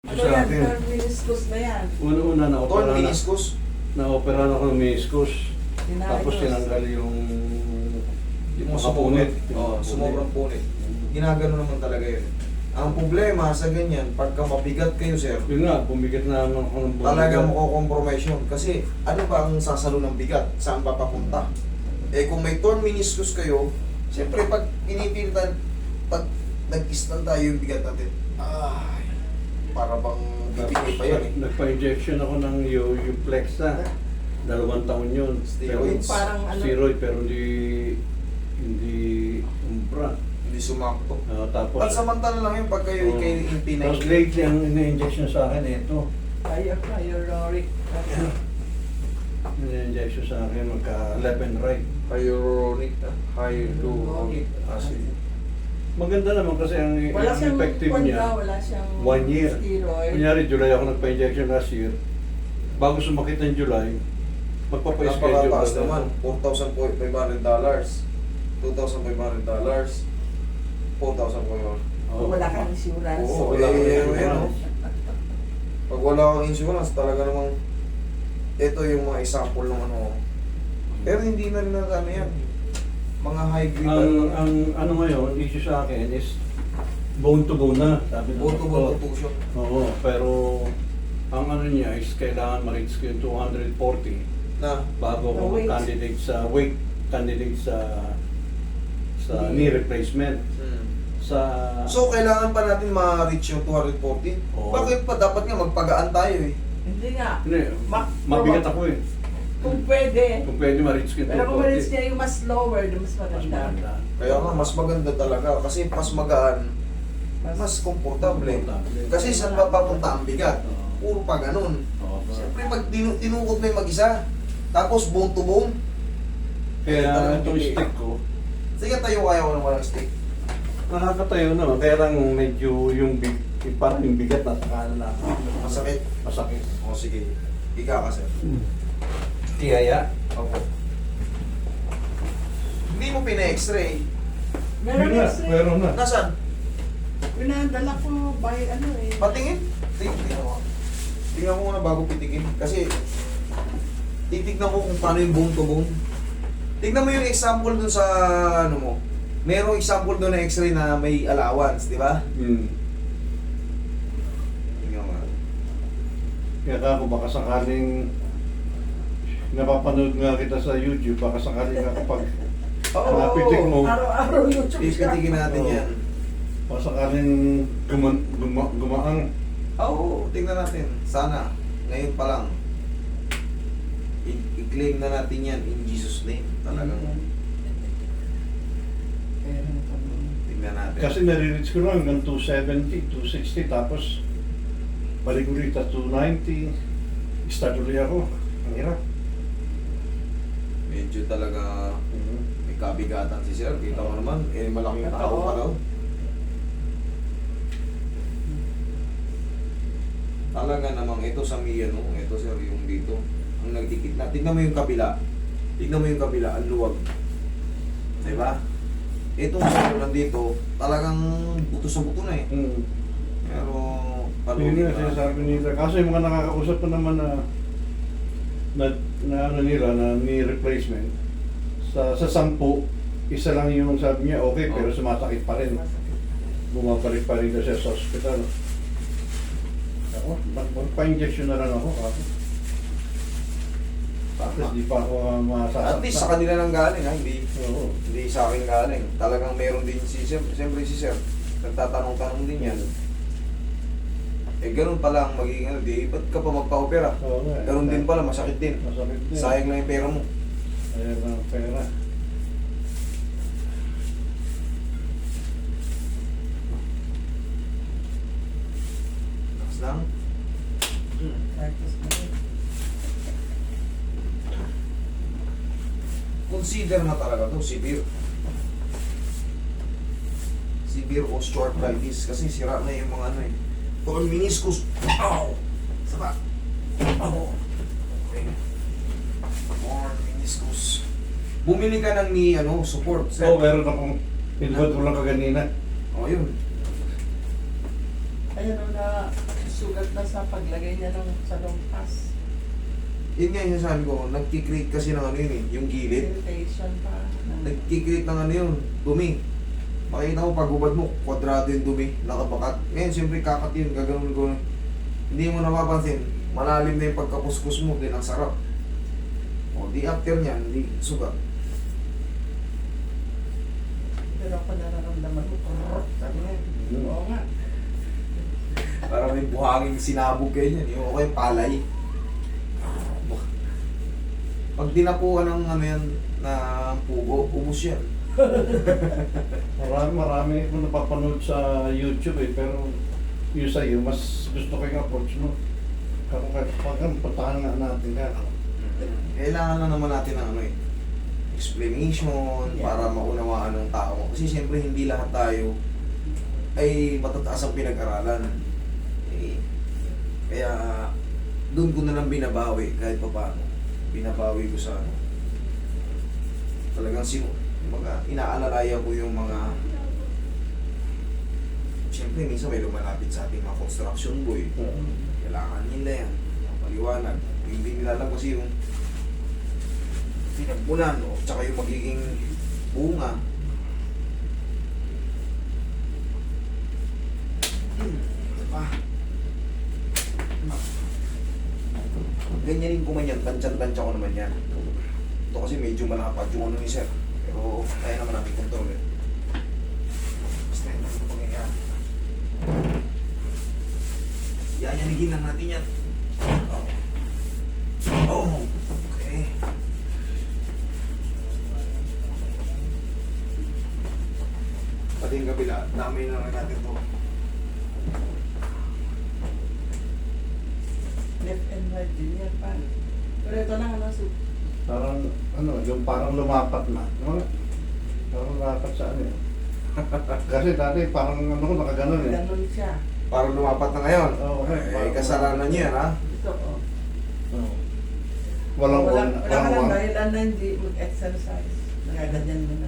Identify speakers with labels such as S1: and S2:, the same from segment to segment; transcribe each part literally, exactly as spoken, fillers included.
S1: Ano
S2: Sa
S1: yan,
S2: akin,
S1: third meniscus na yan.
S2: una-una
S3: Torn
S2: na-opera na,
S3: meniscus.
S2: na-opera na ako ng meniscus.
S1: Tinayos.
S2: Tapos tinanggal yung yung
S3: Yung
S2: mga
S3: sumobra.
S2: punit. Yung
S3: Oo,
S2: mga
S3: sumobra punit. Ginagano naman talaga yun. Ang problema sa ganyan, pagka mabigat kayo, sir,
S2: Yun nga, bumigat na naman ako ng bumigat.
S3: talaga mako-compromise yun. Kasi ano ba ang sasalo ng bigat? Saan ba papunta? Eh kung may torn meniscus kayo, siyempre pag pinipilitan, pag nag-istan tayo yung bigat natin, ay, para bang bibigay pa yan eh.
S2: Nagpa-injection ako ng yung, yung Flexa. Dalawang taon yun.
S3: Steroids.
S2: Pero,
S1: Parang ano-
S2: steroid, pero hindi hindi umbra.
S3: Hindi sumakto.
S2: Uh, tapos,
S3: Pansamantala lang yun pag kayo
S2: Oo.
S3: kayo in P
S2: tapos
S3: ninety.
S2: lately, ang ina-injection sa akin, ito.
S1: Kaya hyaluronic.
S2: Ina-injection sa akin, magka left and right.
S3: Hyaluronic, hyaluronic acid.
S2: Maganda naman kasi ang,
S1: Wala
S2: ang
S1: siyang
S2: effective
S1: kwan
S2: niya.
S1: ka, wala siyang
S2: One year.
S1: steroid.
S2: Kunyari, July ako nagpa-injection last year. Bago sumakit ng July, magpapa-schedule
S3: Napakataas
S2: na
S3: naman, four thousand five hundred dollars, two thousand five hundred dollars, four thousand five hundred.
S2: Oo.
S1: Wala kang insurance.
S3: Oo,
S2: wala
S3: eh,
S2: kang
S3: eh,
S2: insurance.
S3: Pag wala kang insurance, talaga namang ito yung mga example ng ano. Pero hindi na rin natin ano yan. Mga high grade
S2: Ang,
S3: ano,
S2: ang ano ngayon, issue sa akin is bone to bone na, sabi ng
S3: auto
S2: doktor.
S3: contusion.
S2: Oo, pero ang ano niya is kailangan ma-reach ko yung two hundred forty
S3: Na,
S2: bago
S1: The
S2: ako
S1: weight.
S2: candidate sa weight, candidate sa sa
S1: Knee.
S2: knee replacement.
S3: hmm.
S2: Sa
S3: So, kailangan pa natin ma-reach yung two hundred forty?
S2: Oo.
S3: Bakit pa? Dapat nga magpagaan tayo eh.
S1: Hindi nga.
S2: hindi,
S1: Ma-
S2: mabigat ako eh.
S1: Kung pwede.
S2: Kung pwede ma-reach ko yung
S1: Pero kung
S2: two
S1: malis
S2: forty.
S1: niya yung mas lower, mas
S2: Mas
S1: maganda.
S2: maganda.
S3: Kaya nga, mas maganda talaga. Kasi mas magaan, mas komportable.
S2: Komportable.
S3: Kasi saan ba papunta ang bigat?
S2: Oo.
S3: Puro pa ganun.
S2: Oo, ba?
S3: Siyempre, pag tinu tinukot mo yung mag-isa, tapos bone to bone,
S2: Kaya
S3: talagang
S2: itong
S3: hindi.
S2: stick ko,
S3: sige tayo kaya ko ng walang stick.
S2: nakakatayo naman. Kaya lang medyo yung big, yung parang yung bigat na saka na
S3: Masakit.
S2: masakit.
S3: O sige, ika ka sir.
S2: Tiyaya.
S3: Opo. Hindi mo pina-x-ray.
S1: Meron
S2: Yun na,
S1: x-ray.
S2: meron na.
S3: Nasaan?
S1: Pinadala ko by ano eh.
S3: Patingin. Tingnan tingnan mo. Tingnan mo muna bago pitikin. Kasi, titignan mo kung paano yung bone to bone. Tignan mo yung example dun sa, ano mo. Merong example doon na x-ray na may allowance, di ba?
S2: Hmm.
S3: Tingnan mo.
S2: Kaya ako baka sakaling napapanood nga kita sa YouTube, baka sakaling nga kapag
S3: Oo.
S2: napitik mo,
S1: Araw-araw YouTube siya.
S3: Pipitikin natin
S2: Oo.
S3: yan.
S2: baka sakaling guma, guma, gumaang.
S3: Oo, tingnan natin. Sana, ngayon pa lang. I- I-claim na natin yan in Jesus' name. Talagang
S1: Meron pa nun.
S3: tingnan natin.
S2: Kasi nare-reach ko lang hanggang two seventy, two sixty, tapos balik ko rito two ninety. Start ulit ako. Ang hirap.
S3: Medyo talaga
S2: Mhm.
S3: may kabigatan si Sir. Kita mo naman, eh malaking tao
S1: Totoo.
S3: pa daw. Talaga namang ito sa Mia, no? Ito sir, yung dito. Ang nagdikit na. Tignan mo yung kabila. Tignan mo yung kabila, ang luwag. Diba? Itong sir, nandito, talagang buto sa buto na eh.
S2: Hmm.
S3: Pero,
S2: Yun
S3: palugin
S2: nga
S3: na.
S2: sinasabi nila. Kaso yung mga nakakausap ko naman na na, na ano nila, na knee replacement, sa sa sampu, isa lang yung sabi niya, okay, pero
S3: Oh.
S2: sumasakit pa rin. Bumabalik pa rin kasi sa hospital. Ako, mag- magpa-injection na lang ako. Ako. Tapos di pa ako uh, masasaktan.
S3: At least sa kanila nang galing ha, hindi,
S2: Oo.
S3: hindi sa akin galing. Talagang meron din si Sir, siyempre si Sir, nagtatanong-tanong din yan. Eh ganun pala ang magiging ano, di, ba't ka pa magpa-opera?
S2: Oo nga.
S3: Ganun din pala, masakit din.
S2: Masakit din.
S3: Sayang lang yung pera mo.
S2: Sayang lang ang pera.
S3: Lakas lang. Hmm.
S1: Practice na yun.
S3: Consider na talaga to, severe. Severe osteoarthritis kasi sira na yung mga ano eh. Torn meniscus. Ow! Saba. Ow! Okay. Torn meniscus. Bumili ka ng ni ano, support. Sir.
S2: Oo, meron akong pinabot ko lang kaganina.
S3: Oh, yun.
S1: Ayun o na sugat na sa paglagay niya ng sa lumpas.
S3: Yun nga yung sabi ko, nagkikreate kasi ng ano yun eh, yung gilid.
S1: Irritation pa.
S3: Nagkikreate ng ano yun, dumi. Makikita mo, pag hubad mo, kwadrado yung dumi, nakabakat. Ngayon, siyempre kakat yun, gaganon ko. Hindi mo napapansin, malalim na yung pagkapuskus mo, din ang sarap. O, di after niyan, di sugat.
S1: Pero ako nararamdaman ko, kurot. Sabi niya,
S2: Hmm.
S1: oo nga.
S3: Parang may buhanging sinabog kayo niyan, yung okay, palay. Pag dinapuan ng ano yan, na pugo, ubus yan.
S2: Marami, marami ko napapanood sa YouTube eh, pero yung sa'yo, mas gusto ko yung approach mo. Kung pag patahan nga natin ka.
S3: Kailangan na naman natin ng ano eh, explanation
S1: Yeah.
S3: para maunawaan ng tao. Kasi siyempre hindi lahat tayo ay matataas ang pinag-aralan. Eh, kaya doon ko na lang binabawi kahit pa paano. Binabawi ko sa ano. Talagang sino, mga inaalalayan ko yung mga siyempre minsan may lumalapit sa ating mga construction boy. Kailangan nila yan. Paliwanag. Hindi nila alam kasi yung pinagmulan o tsaka yung magiging bunga. Hmm, diba? Ganyanin ko man yan, tansyan-tansya ko naman yan. Ito kasi medyo malapad yung ano ni sir. Pero kaya naman natin kontrol eh. Basta yun lang ito pangyayari. Yayanigin lang natin yan. Oh. Oh, okay. Pati yung kabila, dami na lang natin to.
S1: Left and right din yan pa. Pero ito lang ano, so,
S2: Parang, ano, yung parang lumapat na. Diba? Parang lumapat sa ano eh. Kasi dati parang ano ko nakaganon eh.
S1: ganun siya.
S3: Parang lumapat na ngayon.
S2: Oo, okay.
S3: Eh, kasalanan niyo yan, ha?
S1: Ito oh.
S2: Oo. Walang
S1: wala,
S2: on,
S1: wala ka
S2: walang
S1: lang
S2: on.
S1: dahilan na hindi mag-exercise. Nagaganyan mo na.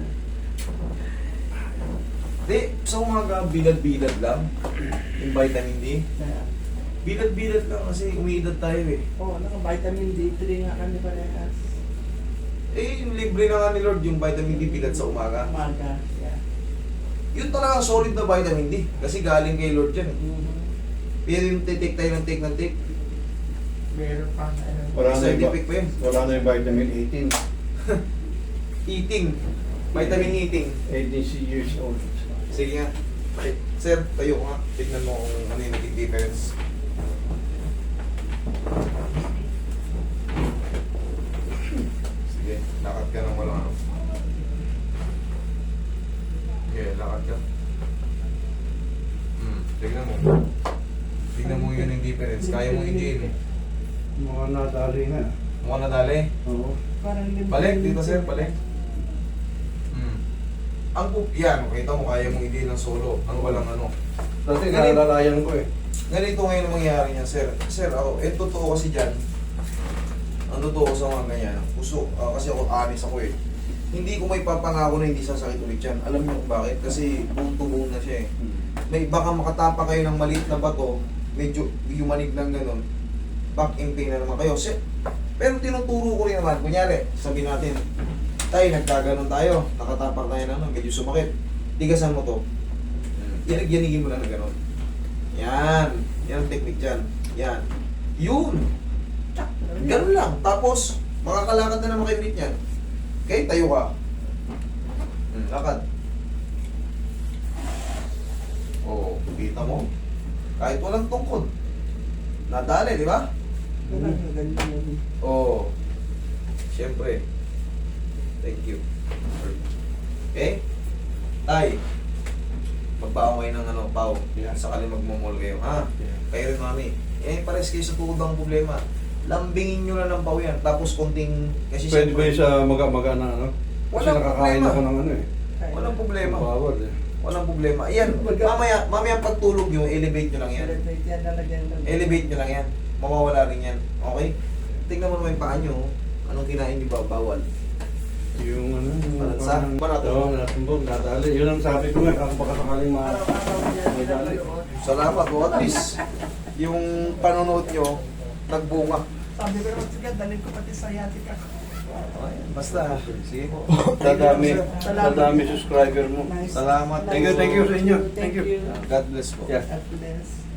S3: Di, sa umaga, bilad-bilad lang. Yung vitamin D.
S1: Na,
S3: Bilad-bilad lang kasi umiidad tayo eh.
S1: oh, naka-vitamin D three nga kami parehas.
S3: Eh, yung libre na nga ni Lord yung vitamin D bilad sa umaga.
S1: Umaga, yeah.
S3: Yun talaga solid na vitamin D. Kasi galing kay Lord yan. eh.
S1: Mm-hmm.
S3: Pero yung take tayo ng take ng take,
S1: Meron pa ano.
S2: Wala na yung,
S3: scientific pa yun.
S2: wala na yung vitamin eighteen.
S3: Eating. Vitamin eating.
S2: eighteen years old.
S3: Sige nga. Okay. Sir, tayo ko nga. Tignan mo kung ano yung naging difference. Sige, lakad ka ng walang ano. Okay, lakad ka. Hmm, tignan mo. Tignan mo yun yung difference. Kaya mo i-gain.
S2: Mga nadali nga.
S3: Mukha na dali.
S2: Oo.
S1: Parang lim-
S3: Balik, dito sir, balik. Hmm. Ang pup, yan, kita mo, kaya mong i-gain ng solo. Ang walang ano.
S2: Dati
S3: Ganito.
S2: nalalayan ko eh.
S3: Ganito ngayon ang mangyayari niya, sir. Sir, ako, eh, totoo kasi dyan. Ang totoo ko sa mga ganyan. Puso, ah, kasi ako, honest ako eh. Hindi ko may papangako na hindi sasakit ulit yan. Alam niyo kung bakit? Kasi bone to bone na siya eh. May baka makatapa kayo ng maliit na bato, medyo yumanig ng ganun, back in pain na naman kayo. Sir, pero tinuturo ko rin naman, kunyari, sabihin natin, tayo, nagkaganon tayo, nakatapak tayo na, medyo sumakit. Tigasan mo to. Yanig, yanigin mo lang na gano'n. Yan. Yan ang technique dyan. Yan. Yun.
S1: Tsak,
S3: Ganun lang. Tapos, makakalakad na naman kayo ulit yan. Okay, tayo ka. Hmm, lakad. Oo, kita mo. Kahit walang tungkod. Nadali, di ba?
S1: Parang ganyan yun.
S3: Oo. Siyempre. Thank you. Okay? Tay. Magbaon kayo ng ano, pao.
S2: Yeah.
S3: Sakali magmumol kayo, ha? Kayo rin, mami. Eh, pares kayo sa tuhod ang problema. Lambingin nyo na ng pao yan. Tapos konting... Kasi
S2: Pwede ba
S3: siyempre-
S2: yun sa maga-maga na ano? Kasi
S3: Walang
S2: nakakain
S3: problema.
S2: ako ng ano eh.
S3: Walang problema.
S2: Bawal eh.
S3: Walang problema. Ayan, mamaya, mamaya pagtulog nyo, elevate nyo lang yan.
S1: Celebrate yan, lalagyan lang.
S3: Elevate nyo lang yan. Mawawala rin yan. Okay? Tingnan mo naman yung paa nyo. Anong kinain nyo ba? Bawal.
S2: Yung ano, yung
S3: Palansa?
S2: parang-
S3: Panatumbog?
S2: Oo, natumbog, nadali. Yun ang sabi ko nga, kung baka sakaling ma...
S1: Araw-araw yan,
S2: May dali.
S1: pinapanood.
S3: Salamat. O at least, yung panonood nyo, nagbunga.
S1: Sabi ko naman, sige, dalhin ko pati sa yatik ako.
S3: Basta, sige po.
S2: Dadami,
S1: Salamat.
S2: dadami subscriber mo.
S1: Nice.
S3: Salamat.
S2: Thank you, thank you sa inyo. Thank
S1: Thank
S2: you.
S1: you.
S3: God bless po.
S2: Yeah.
S1: God bless.